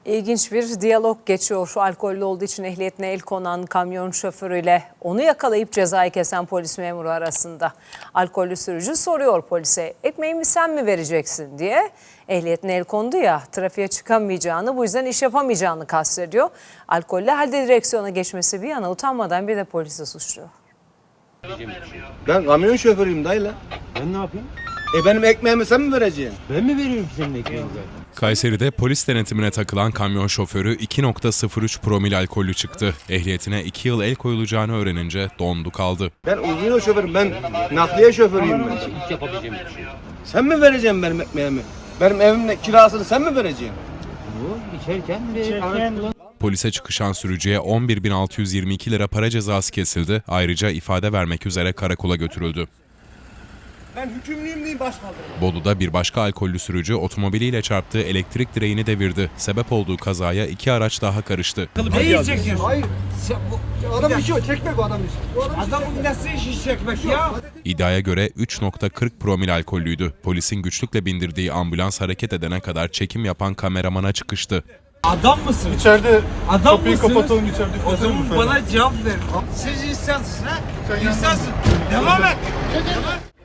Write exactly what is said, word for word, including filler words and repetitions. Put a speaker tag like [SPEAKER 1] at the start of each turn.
[SPEAKER 1] İlginç bir diyalog geçiyor. Alkollü olduğu için ehliyetine el konan kamyon şoförüyle onu yakalayıp cezayı kesen polis memuru arasında. Alkollü sürücü soruyor polise, ekmeğimi sen mi vereceksin diye. Ehliyetine el kondu ya, trafiğe çıkamayacağını, bu yüzden iş yapamayacağını kastediyor. Alkollü halde direksiyona geçmesi bir yana utanmadan bir de polisi suçluyor.
[SPEAKER 2] Ben kamyon şoförüyüm dayıla.
[SPEAKER 3] Ben ne yapayım?
[SPEAKER 2] E benim ekmeğimi sen mi vereceksin?
[SPEAKER 3] Ben mi veriyorum senin ekmeğini?
[SPEAKER 4] Kayseri'de polis denetimine takılan kamyon şoförü iki nokta sıfır üç promil alkollü çıktı. Ehliyetine iki yıl el koyulacağını öğrenince dondu kaldı.
[SPEAKER 2] Ben uzun yol şoförüm, ben nakliye şoförüyüm ben.
[SPEAKER 3] Hiç yapabileceğim bir şey.
[SPEAKER 2] Sen mi vereceksin benim ekmeğimi? Benim evimin kirasını sen mi vereceksin?
[SPEAKER 3] Bu içerken de
[SPEAKER 4] Polise çıkışan sürücüye on bir bin altı yüz yirmi iki lira para cezası kesildi. Ayrıca ifade vermek üzere karakola götürüldü.
[SPEAKER 2] Ben hükümlüyüm diyeyim başkaldım.
[SPEAKER 4] Bolu'da bir başka alkollü sürücü otomobiliyle çarptığı elektrik direğini devirdi. Sebep olduğu kazaya iki araç daha karıştı.
[SPEAKER 5] Neyi çekiyorsun?
[SPEAKER 2] Hayır.
[SPEAKER 5] Sen bu,
[SPEAKER 2] Adam işi o, çekmek o adam işi. O adam işi.
[SPEAKER 5] adamın nasıl işi çekmek ya?
[SPEAKER 4] İddiaya göre üç nokta kırk promil alkollüydü. Polisin güçlükle bindirdiği ambulans hareket edene kadar çekim yapan kameramana çıkıştı.
[SPEAKER 5] Adam mısın?
[SPEAKER 6] İçeride
[SPEAKER 5] Adam
[SPEAKER 6] kapıyı
[SPEAKER 5] mısınız?
[SPEAKER 6] kapatalım içeride.
[SPEAKER 5] O zaman bana cevap ver. Siz insansın ha? İnsansın. Devam et. Devam.